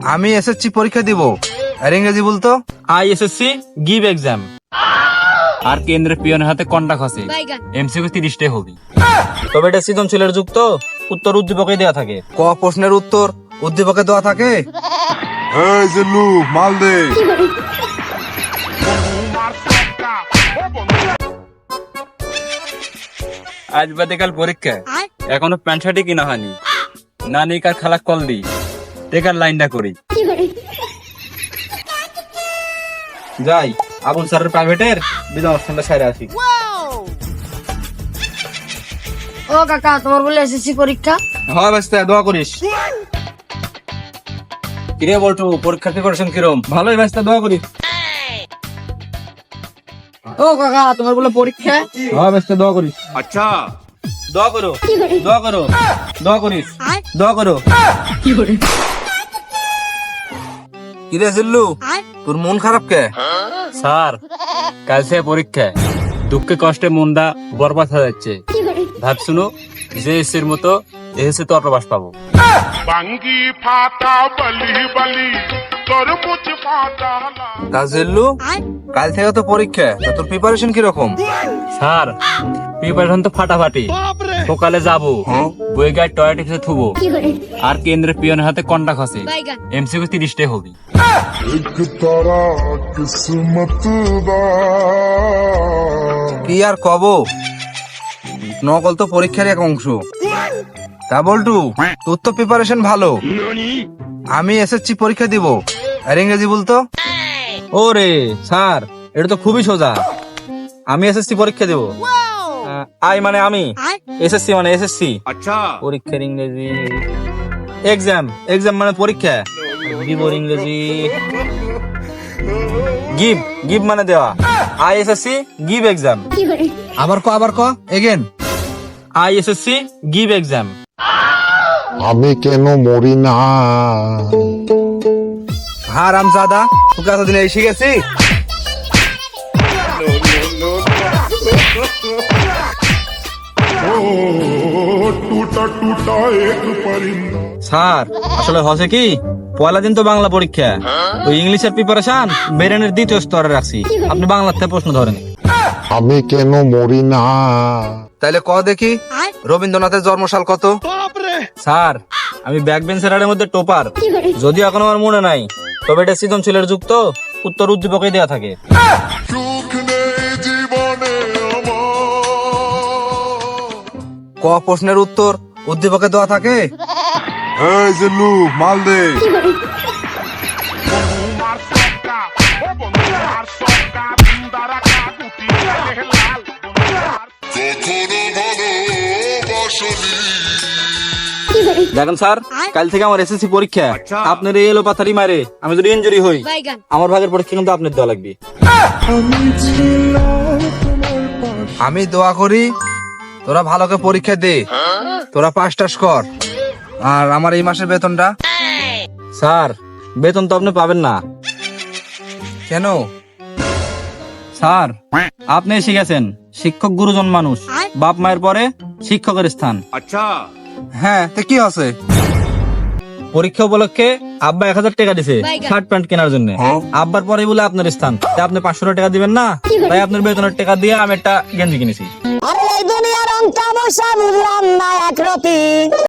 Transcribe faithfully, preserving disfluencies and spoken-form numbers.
আমি এসএসসি পরীক্ষা দিব। আর ইংরেজি বলতো? I SSC give exam. আর কেন্দ্রের পিয়নের হাতে কন্টাক্ট আছে, এমসিকিউ তিরিশটাই হবে। তবে এটা সৃজনশীলের যুক্ত, উত্তর উদ্দীপকে দেওয়া থাকে। ক প্রশ্নের উত্তর উদ্দীপকে দেওয়া থাকে? এই জিল্লু মাল দে। আজ বাদে কাল পরীক্ষা, এখনো প্যান্ট শার্টই কিনা হয়নি। নানি কার খালা কল দি, টেকার লাইনটা করি। যাই আবুল স্যারের প্রাইভেটের বিধান অনুষ্ঠানটা সাইরে আসি। ও কাকা, তোমার বলে এসএসসি পরীক্ষা? হয় বাস্তা, দোয়া করিস। কিরে বলটু, পরীক্ষার প্রিপারেশন কিরম? ভালোই বাস্তা, দোয়া করিস। ও কাকা, তোমার বলে পরীক্ষা? হয় বাস্তা, দোয়া করিস। আচ্ছা, দোয়া করো, দোয়া করো, দোয়া করিস, দোয়া করো। কিরে জিল্লু, তোর মন খারাপ কে? স্যার, কাল সে পরীক্ষা, দুঃখে কষ্টে মনটা বরবাদ হয়ে যাচ্ছে। ভাবছুনো যে এসের মতো এসে তো অটোবাস পাবো। বাঙ্গি ফাটা বলি বলি তরমুজ ফাটা। তা জিল্লু, কাল থেকে তো পরীক্ষা, তা তোর প্রিপারেশন কিরকম? স্যার, প্রিপারেশন তো ফাটাফাটি। সকালে যাবো, বই গায়ে টয়লেট এসে থুবো। আর কেন্দ্রের পিয়নের হাতে কন্টাক্ট আছে, এমসিকিউ তিরিশটাই হবে। এক তারা কিসমত দা। কি আর কব, নকল তো পরীক্ষার এক অংশ। তা বলটু, তোর তো প্রিপারেশন ভালো। আমি এসএসসি পরীক্ষা দিব। আর ইংরেজি বলতো? ওরে স্যার, এটা তো খুবই সোজা। আমি এসএসসি পরীক্ষা দেবো। আই মানে আমি, এসএসসি মানে এসএসসি। আচ্ছা, পরীক্ষার ইংরেজি এক্সাম। এক্সাম মানে পরীক্ষা। গিভ ইংরেজি গিভ। গিভ মানে দেওয়া। I SSC give exam. আবার ক, আবার ক again. I SSC give exam. আমি কেন মরি না? হারাম জাদা, তোকে এতদিন এই শিখেছি। টুটা টুটা এক পরিন্দা। স্যার, আসলে হচ্ছে কি, পয়লা দিন তো বাংলা পরীক্ষা, ওই ইংলিশের প্রিপারেশন বেরেনের দ্বিতীয় স্তরে রাখছি। আপনি বাংলার থেকে প্রশ্ন ধরেন। আমি কেন মরি না? তাইলে ক দেখি, রবীন্দ্রনাথের জন্মসাল কত? স্যার, আমি ব্যাক বেঞ্চের মধ্যে টপার, যদিও এখন আমার মনে নাই। তবে এটা সৃজনশীলের যুক্ত, উত্তর উদ্দীপকে দেওয়া থাকে। সুখ নেই জীবনে আমার। ক প্রশ্নের উত্তর উদ্দীপকে দেওয়া থাকে? এই জিল্লু মাল দে। মার সক্কা ও বন্ধু মার সক্কা সুন্দরা কাগুতি লাল লাল। দেখেন স্যার, কাল থেকে আমার এসএসসি পরীক্ষা। আপনার এই এলো পাথারি মারে আমি যদি ইনজুরি হই, আমার ভাগের পরীক্ষা কিন্তু আপনার দেওয়া লাগবে। আমি দোয়া করি তোরা ভালো করে পরীক্ষা দে, তোরা পাস টাস কর। আর আমার এই মাসের বেতনটা? স্যার, বেতন তো আপনি পাবেন না। কেন? স্যার, আপনি শিখেছেন শিক্ষক গুরুজন মানুষ, বাপ মায়ের পরে শিক্ষকের স্থান। আচ্ছা, হ্যাঁ, তো কি আছে? পরীক্ষা উপলক্ষে আব্বা এক হাজার টাকা দিছে শার্ট প্যান্ট কেনার জন্য। আব্বার পরে বলে আপনার স্থান, তাই আপনি পাঁচশো টাকা দিবেন না। তাই আপনার বেতনের টাকা দিয়ে আমি একটা গেঞ্জি কিনেছি। আরে এই দুনিয়ার অঙ্ক বুঝলাম না একরতি।